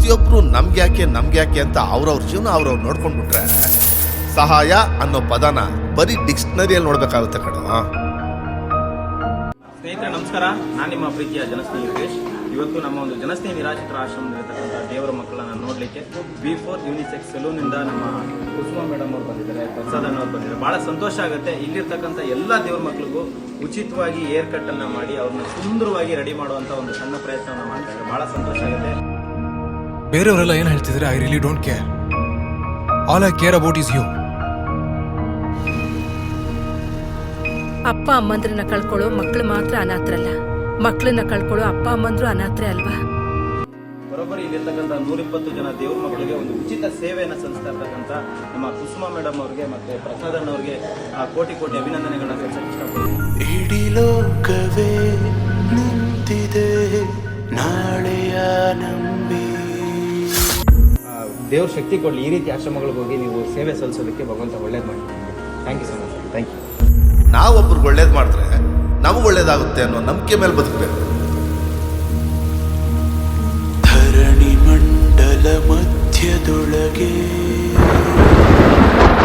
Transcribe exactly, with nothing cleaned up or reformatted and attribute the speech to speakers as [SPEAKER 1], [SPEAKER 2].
[SPEAKER 1] ಪ್ರತಿಯೊಬ್ರು ನಮ್ಗೆ ಯಾಕೆ ನಮ್ಗೆ ಯಾಕೆ ಅಂತ ಅವ್ರವ್ರ ಜೀವನ ಅವ್ರವ್ರು ನೋಡ್ಕೊಂಡ್ಬಿಟ್ರೆ ಸಹಾಯ ಅನ್ನೋ ಪದನ ಬರೀ ಡಿಕ್ಷನರಿಯಲ್ಲಿ ನೋಡ್ಬೇಕಾಗುತ್ತೆ ಕಣ.
[SPEAKER 2] ಸ್ನೇಹಿತರೆ ನಮಸ್ಕಾರ, ನಾನು ನಿಮ್ಮ ಪ್ರೀತಿಯ ಜನಸ್ನೇಹಿ ಯೋಗೇಶ್. ಇವತ್ತು ನಮ್ಮ ಒಂದು ಜನಸ್ನೇಹಿ ನಿರಾಶ್ರಿತರ ಆಶ್ರಮದಲ್ಲಿರ್ತಕ್ಕಂಥ ದೇವರ ಮಕ್ಕಳನ್ನ ನೋಡ್ಲಿಕ್ಕೆ ಬಿ ಫೋರ್ ಯೂನಿಸೆಕ್ಸ್ ಸಲೂನ್ ಇಂದ ನಮ್ಮ ಕುಸುಮ ಮೇಡಮ್ ಅವ್ರು ಬಂದಿದ್ದಾರೆ, ಪ್ರಸಾದ್ ಅವ್ರು ಬಂದಿದ್ದಾರೆ. ಬಹಳ ಸಂತೋಷ ಆಗುತ್ತೆ. ಇಲ್ಲಿರ್ತಕ್ಕಂಥ ಎಲ್ಲ ದೇವರ ಮಕ್ಕಳಿಗೂ ಉಚಿತವಾಗಿ ಏರ್ ಕಟ್ ಅನ್ನ ಮಾಡಿ ಅವ್ರನ್ನ ಸುಂದರವಾಗಿ ರೆಡಿ ಮಾಡುವಂತ ಒಂದು ಸಣ್ಣ ಪ್ರಯತ್ನವನ್ನ ಮಾಡ್ತಾರೆ. ಬಹಳ ಸಂತೋಷ ಆಗುತ್ತೆ.
[SPEAKER 3] ಬೇರೆಯವರೆಲ್ಲ ಏನ್ ಹೇಳ್ತಿದ್ರೆ I really don't care. All I care about is you.
[SPEAKER 4] ಅಪ್ಪ ಅಮ್ಮಂದ್ರನ್ನ ಕಳ್ಕೊಳ್ಳೋ ಮಕ್ಕಳು ಮಾತ್ರ ಅನಾಥರಲ್ಲ, ಮಕ್ಕಳನ್ನ ಕಳ್ಕೊಳ್ಳೋ ಅಪ್ಪ ಅಮ್ಮಂದ್ರು ಅನಾಥರೇ ಅಲ್ವಾ?
[SPEAKER 2] ಬರೋಬ್ಬರಿ ಇಲ್ಲಿರ್ತಕ್ಕಂಥ ನೂರಿಪ್ಪತ್ತು ಜನ ದೇವ್ರ ಮಕ್ಕಳಿಗೆ ಒಂದು ಉಚಿತ ಸೇವೆಯನ್ನು ಸಲ್ಲಿಸ್ತಾ ಇರ್ತಕ್ಕಂಥ ನಮ್ಮ ಕುಸುಮ ಮೇಡಮ್ ಅವ್ರಿಗೆ ಮತ್ತೆ ಪ್ರಸಾದನ್ ಅವ್ರಿಗೆ ಕೋಟಿ ಕೋಟಿ ಅಭಿನಂದನೆಗಳನ್ನ ಸಲ್ಲಿಸಕ್ಕೆ ಇಷ್ಟಪಡ್ತೀನಿ.
[SPEAKER 5] ಇಡೀ ಲೋಕವೇ ನಿಂತಿದೆ ನಾಳೆಯ ನಂಬಿ.
[SPEAKER 2] ದೇವ್ರ ಶಕ್ತಿ ಕೊಡಲಿ. ಈ ರೀತಿ ಆಶ್ರಮಗಳಿಗೆ ಹೋಗಿ ನೀವು ಸೇವೆ ಸಲ್ಲಿಸೋದಕ್ಕೆ ಭಗವಂತ ಒಳ್ಳೇದು ಮಾಡಿ. Thank you so much. Thank you.
[SPEAKER 1] ನಾವೊಬ್ರಿಗೆ ಒಳ್ಳೇದು ಮಾಡಿದ್ರೆ ನಮಗೆ ಒಳ್ಳೇದಾಗುತ್ತೆ ಅನ್ನೋ ನಂಬಿಕೆ ಮೇಲೆ ಬದುಕಬೇಕು.
[SPEAKER 5] ಧರಣಿ ಮಂಡಲ ಮಧ್ಯದೊಳಗೆ